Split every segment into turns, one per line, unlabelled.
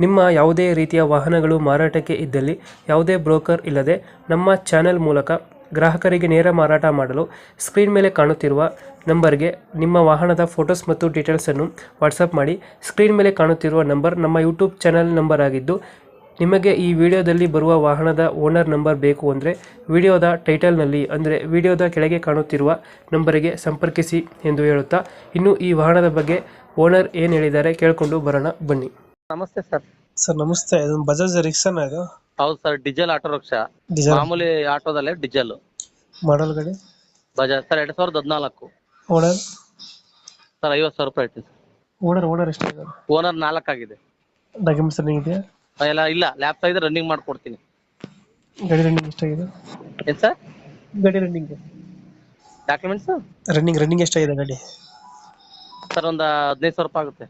ನಿಮ್ಮ ಯಾವುದೇ ರೀತಿಯ ವಾಹನಗಳು ಮಾರಾಟಕ್ಕೆ ಇದ್ದಲ್ಲಿ ಯಾವುದೇ ಬ್ರೋಕರ್ ಇಲ್ಲದೆ ನಮ್ಮ ಚಾನೆಲ್ ಮೂಲಕ ಗ್ರಾಹಕರಿಗೆ ನೇರ ಮಾರಾಟ ಮಾಡಲು ಸ್ಕ್ರೀನ್ ಮೇಲೆ ಕಾಣುತ್ತಿರುವ ನಂಬರ್ಗೆ ನಿಮ್ಮ ವಾಹನದ ಫೋಟೋಸ್ ಮತ್ತು ಡೀಟೇಲ್ಸನ್ನು ವಾಟ್ಸಪ್ ಮಾಡಿ. ಸ್ಕ್ರೀನ್ ಮೇಲೆ ಕಾಣುತ್ತಿರುವ ನಂಬರ್ ನಮ್ಮ ಯೂಟ್ಯೂಬ್ ಚಾನೆಲ್ ನಂಬರ್ ಆಗಿದ್ದು, ನಿಮಗೆ ಈ ವಿಡಿಯೋದಲ್ಲಿ ಬರುವ ವಾಹನದ ಓನರ್ ನಂಬರ್ ಬೇಕು ಅಂದರೆ ವಿಡಿಯೋದ ಟೈಟಲ್ನಲ್ಲಿ ಅಂದರೆ ವಿಡಿಯೋದ ಕೆಳಗೆ ಕಾಣುತ್ತಿರುವ ನಂಬರಿಗೆ ಸಂಪರ್ಕಿಸಿ ಎಂದು ಹೇಳುತ್ತಾ, ಇನ್ನು ಈ ವಾಹನದ ಬಗ್ಗೆ ಓನರ್ ಏನು ಹೇಳಿದ್ದಾರೆ ಕೇಳಿಕೊಂಡು ಬರೋಣ ಬನ್ನಿ.
ನಮಸ್ತೆ ಸರ್.
ಸರ್ ನಮಸ್ತೆ, ಇದು ಬಜಾಜ್ ರಿಕ್ಸಾನ ಇದು?
ಹೌದು ಸರ್, ಡೀಸೆಲ್ ಆಟೋ ರಿಕ್ಷಾ. ಮಾಮೂಲಿ ಆಟೋದಲ್ಲೇ ಡೀಸೆಲ್.
ಮಾಡಲ್ ಗಾಡಿ
ಬಜಾಜ್ ಸರ್ 2014.
ಓನರ್
ಸರ್ 50,000 ರೂಪಾಯಿ ಐತಿ ಸರ್.
ಓನರ್ ಎಷ್ಟಾಗಿದೆ?
ಓನರ್ 4 ಆಗಿದೆ.
ಡಾಕ್ಯುಮೆಂಟ್ಸ್ ರನ್ನಿಂಗ್ ಇದೆಯಾ?
ಎಲ್ಲ ಇಲ್ಲ, ಲ್ಯಾಪ್ಟಾಪ್ ಇದೆ, ರನ್ನಿಂಗ್ ಮಾಡ್ಕೊಡ್ತೀನಿ.
ಗಾಡಿ ರನ್ನಿಂಗ್ ಎಷ್ಟಾಗಿದೆ?
ಏನ್ ಸರ್?
ಗಾಡಿ ರನ್ನಿಂಗ್
ಡಾಕ್ಯುಮೆಂಟ್ಸ್
ರನ್ನಿಂಗ್ ಎಷ್ಟಾಗಿದೆ ಗಾಡಿ?
ಸರ್ ಒಂದು 15,000 ರೂಪಾಯಿ ಆಗುತ್ತೆ.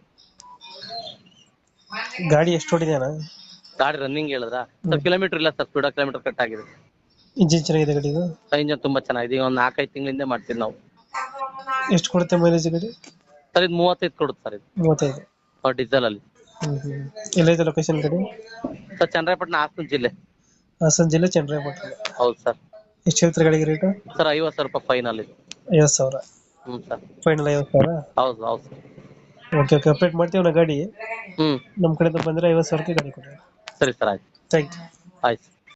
ಗಾಡಿ ಎಷ್ಟು ಹೊಡಿದ್ಯಾನ?
ಗಾಡಿ ರನ್ನಿಂಗ್ ಹೇಳಿದ್ರ ಸರ್? ಕಿಲೋಮೀಟರ್ ಇಲ್ಲ ಸರ್, ಸ್ಪೀಡ್ ಕಿಲೋಮೀಟರ್ ಕಟ್ ಆಗಿದೆ.
ಇಂಜಿನ್ ಚೆನ್ನಾಗಿದೆ ಗಾಡಿದು?
ಇಂಜನ್ ತುಂಬಾ ಚೆನ್ನಾಗಿದೆ. ಈಗ ಒಂದು 4-5 ತಿಂಗಳಿಂದ ಮಾಡ್ತೀವಿ ನಾವು.
ಎಷ್ಟು ಕೊಡುತ್ತೆ ಮೈಲೇಜ್ ಗಾಡಿ?
ಸರ್ ಇದು 35 ಕೊಡುತ್ತೆ ಸರ್. ಇದು
35
ಡೀಸೆಲ್ ಅಲ್ಲಿ.
ಎಲ್ಲೈತೆ ಲೊಕೇಶನ್ ಗಾಡಿ?
ಸರ್ ಚನ್ನರಾಯಪಟ್ಟಣ, ಹಾಸನ ಜಿಲ್ಲೆ.
ಹಾಸನ ಜಿಲ್ಲೆ, ಚನ್ನರಾಯಪಟ್ಟಣ.
ಹೌದು ಸರ್.
ಎಷ್ಟು ಹೇಳ್ತಾರೆ ಗಾಡಿಗೆ ರೇಟು?
ಸರ್ 50,000 ರೂಪಾಯಿ ಫೈನಲ್ ಇದೆ.
50,000?
Sir
final 50,000?
ಹೌದು ಹೌದು ಸರ್.
ಓಕೆ ಅಪ್ಡೇಟ್ ಮಾಡ್ತೀವಿ ನಾ ಗಾಡಿ. ನಮ್ಮ ಕಡೆಯಿಂದ ಬಂದರೆ 50,000ಕ್ಕೆ ಗಾಡಿ ಕೊಡಿ.
ಸರಿ ಸರ್, ಆಯ್ತು.
Thank you.
ಆಯ್ತು.